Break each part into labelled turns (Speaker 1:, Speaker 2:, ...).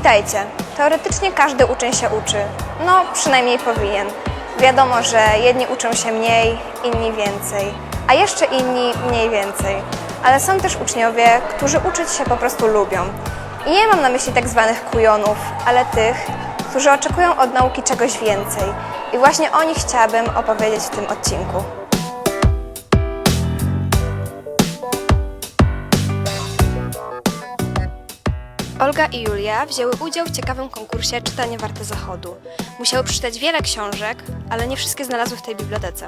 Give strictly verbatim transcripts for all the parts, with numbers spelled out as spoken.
Speaker 1: Pamiętajcie, teoretycznie każdy uczeń się uczy. No, przynajmniej powinien. Wiadomo, że jedni uczą się mniej, inni więcej, a jeszcze inni mniej więcej. Ale są też uczniowie, którzy uczyć się po prostu lubią. I nie mam na myśli tak zwanych kujonów, ale tych, którzy oczekują od nauki czegoś więcej. I właśnie o nich chciałabym opowiedzieć w tym odcinku. Olga i Julia wzięły udział w ciekawym konkursie Czytanie warte zachodu. Musiały przeczytać wiele książek, ale nie wszystkie znalazły w tej bibliotece.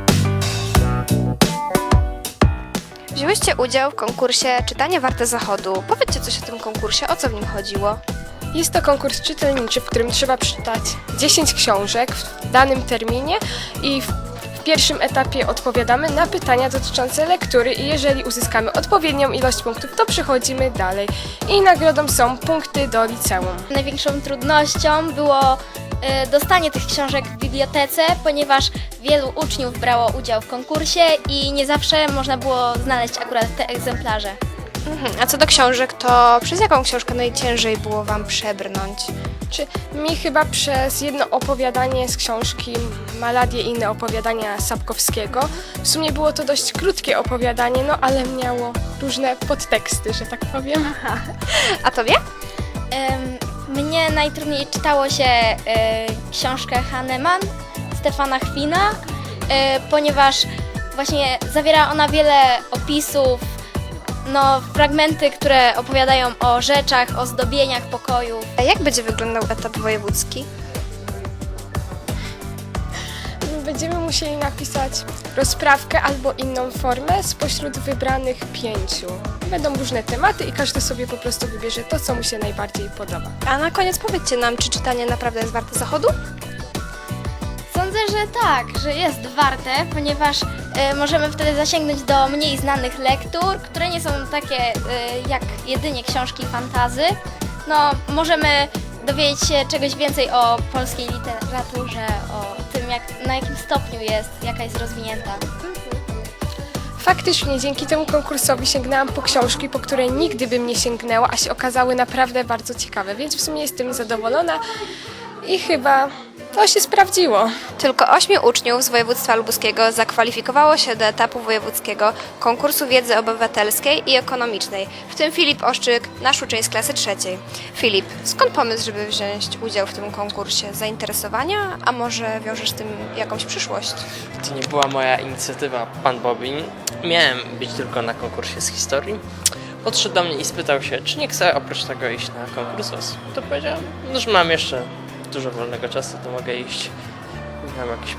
Speaker 1: Wzięłyście udział w konkursie Czytanie warte zachodu. Powiedzcie coś o tym konkursie, o co w nim chodziło?
Speaker 2: Jest to konkurs czytelniczy, w którym trzeba przeczytać dziesięć książek w danym terminie i w w pierwszym etapie odpowiadamy na pytania dotyczące lektury i jeżeli uzyskamy odpowiednią ilość punktów, to przechodzimy dalej. I nagrodą są punkty do liceum.
Speaker 3: Największą trudnością było y, dostanie tych książek w bibliotece, ponieważ wielu uczniów brało udział w konkursie i nie zawsze można było znaleźć akurat te egzemplarze.
Speaker 1: Mhm. A co do książek, to przez jaką książkę najciężej było Wam przebrnąć?
Speaker 2: Czy mi chyba przez jedno opowiadanie z książki Maladie i inne opowiadania Sapkowskiego. W sumie było to dość krótkie opowiadanie, no ale miało różne podteksty, że tak powiem.
Speaker 1: A Tobie?
Speaker 3: Ym, mnie najtrudniej czytało się y, książkę Hahnemann Stefana Chwina, y, ponieważ właśnie zawiera ona wiele opisów, no, fragmenty, które opowiadają o rzeczach, o zdobieniach pokoju.
Speaker 1: A jak będzie wyglądał etap wojewódzki?
Speaker 2: Będziemy musieli napisać rozprawkę albo inną formę spośród wybranych pięciu. Będą różne tematy i każdy sobie po prostu wybierze to, co mu się najbardziej podoba.
Speaker 1: A na koniec powiedzcie nam, czy czytanie naprawdę jest warte zachodu?
Speaker 3: Sądzę, że tak, że jest warte, ponieważ y, możemy wtedy zasięgnąć do mniej znanych lektur, które nie są takie y, jak jedynie książki fantasy. No, możemy dowiedzieć się czegoś więcej o polskiej literaturze, o tym, jak, na jakim stopniu jest, jaka jest rozwinięta.
Speaker 2: Faktycznie dzięki temu konkursowi sięgnęłam po książki, po które nigdy bym nie sięgnęła, a się okazały naprawdę bardzo ciekawe, więc w sumie jestem zadowolona i chyba to się sprawdziło.
Speaker 1: Tylko ośmiu uczniów z województwa lubuskiego zakwalifikowało się do etapu wojewódzkiego konkursu wiedzy obywatelskiej i ekonomicznej, w tym Filip Oszczyk, nasz uczeń z klasy trzeciej. Filip, skąd pomysł, żeby wziąć udział w tym konkursie? Zainteresowania, a może wiążesz z tym jakąś przyszłość?
Speaker 4: To nie była moja inicjatywa, pan Bobin. Miałem być tylko na konkursie z historii. Podszedł do mnie i spytał się, czy nie chcę oprócz tego iść na konkurs. To powiedziałem, no, że mam jeszcze dużo wolnego czasu, to mogę iść. Mam jakiś...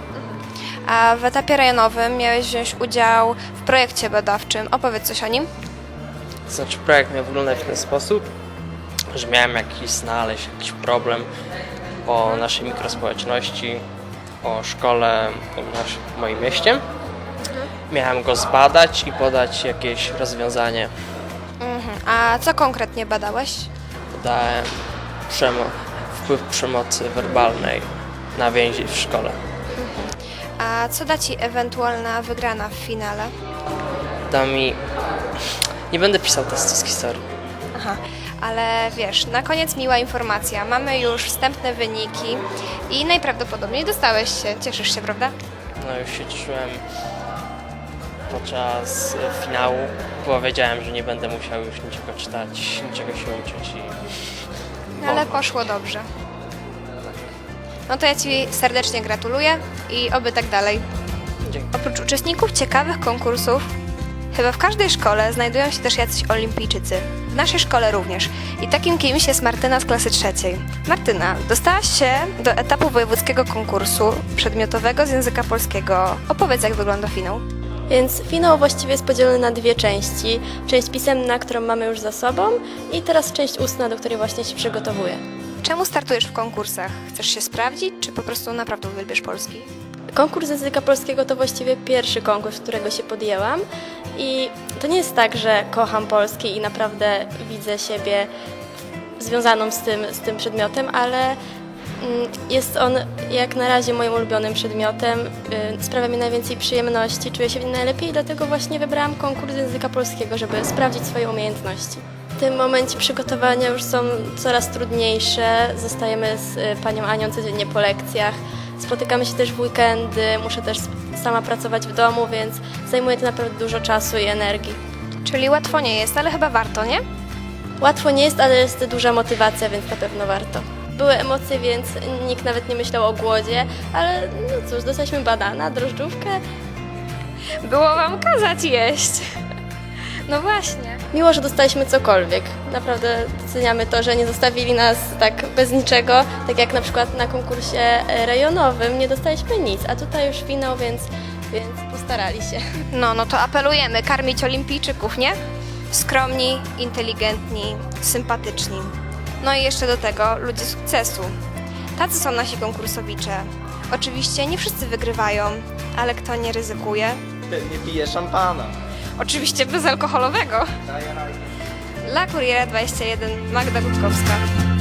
Speaker 1: A w etapie rejonowym miałeś wziąć udział w projekcie badawczym. Opowiedz coś o nim.
Speaker 4: To znaczy projekt miał wyglądać w ten sposób, że miałem jakiś znaleźć jakiś problem o naszej mikrospołeczności, o szkole w, naszym, w moim mieście. Miałem go zbadać i podać jakieś rozwiązanie.
Speaker 1: Mhm. A co konkretnie badałeś?
Speaker 4: Podałem przemo- wpływ przemocy werbalnej na więzi w szkole.
Speaker 1: A co da Ci ewentualna wygrana w finale?
Speaker 4: Da mi... Nie będę pisał testu z historii.
Speaker 1: Aha, ale wiesz, na koniec miła informacja. Mamy już wstępne wyniki i najprawdopodobniej dostałeś się. Cieszysz się, prawda?
Speaker 4: No już się cieszyłem podczas e, finału, bo wiedziałem, że nie będę musiał już niczego czytać, niczego się uczyć i...
Speaker 1: Ale poszło dobrze. No to ja Ci serdecznie gratuluję i oby tak dalej.
Speaker 4: Dzięki.
Speaker 1: Oprócz uczestników ciekawych konkursów, chyba w każdej szkole znajdują się też jacyś olimpijczycy. W naszej szkole również. I takim kimś jest Martyna z klasy trzeciej. Martyna, dostałaś się do etapu wojewódzkiego konkursu przedmiotowego z języka polskiego. Opowiedz, jak wygląda finał.
Speaker 5: Więc finał właściwie jest podzielony na dwie części. Część pisemna, którą mamy już za sobą i teraz część ustna, do której właśnie się przygotowuję.
Speaker 1: Czemu startujesz w konkursach? Chcesz się sprawdzić, czy po prostu naprawdę uwielbiasz polski?
Speaker 5: Konkurs języka polskiego to właściwie pierwszy konkurs, którego się podjęłam i to nie jest tak, że kocham polski i naprawdę widzę siebie związaną z tym, z tym przedmiotem, ale jest on jak na razie moim ulubionym przedmiotem, sprawia mi najwięcej przyjemności, czuję się w nim najlepiej i dlatego właśnie wybrałam konkurs języka polskiego, żeby sprawdzić swoje umiejętności. tym momencie przygotowania już są coraz trudniejsze. Zostajemy z y, panią Anią codziennie po lekcjach. Spotykamy się też w weekendy, muszę też sama pracować w domu, więc zajmuje to naprawdę dużo czasu i energii.
Speaker 1: Czyli łatwo nie jest, ale chyba warto, nie?
Speaker 5: Łatwo nie jest, ale jest duża motywacja, więc na pewno warto. Były emocje, więc nikt nawet nie myślał o głodzie, ale no cóż, dostaliśmy banana, drożdżówkę.
Speaker 2: Było wam kazać jeść. No właśnie.
Speaker 5: Miło, że dostaliśmy cokolwiek. Naprawdę doceniamy to, że nie zostawili nas tak bez niczego, tak jak na przykład na konkursie e, rejonowym nie dostaliśmy nic, a tutaj już finał, więc, więc postarali się.
Speaker 1: No, no to apelujemy, karmić olimpijczyków, nie? Skromni, inteligentni, sympatyczni. No i jeszcze do tego ludzie sukcesu. Tacy są nasi konkursowicze. Oczywiście nie wszyscy wygrywają, ale kto nie ryzykuje?
Speaker 6: Pewnie pije szampana.
Speaker 2: Oczywiście bezalkoholowego.
Speaker 1: Dla Kuriera dwadzieścia jeden Magda Gutkowska.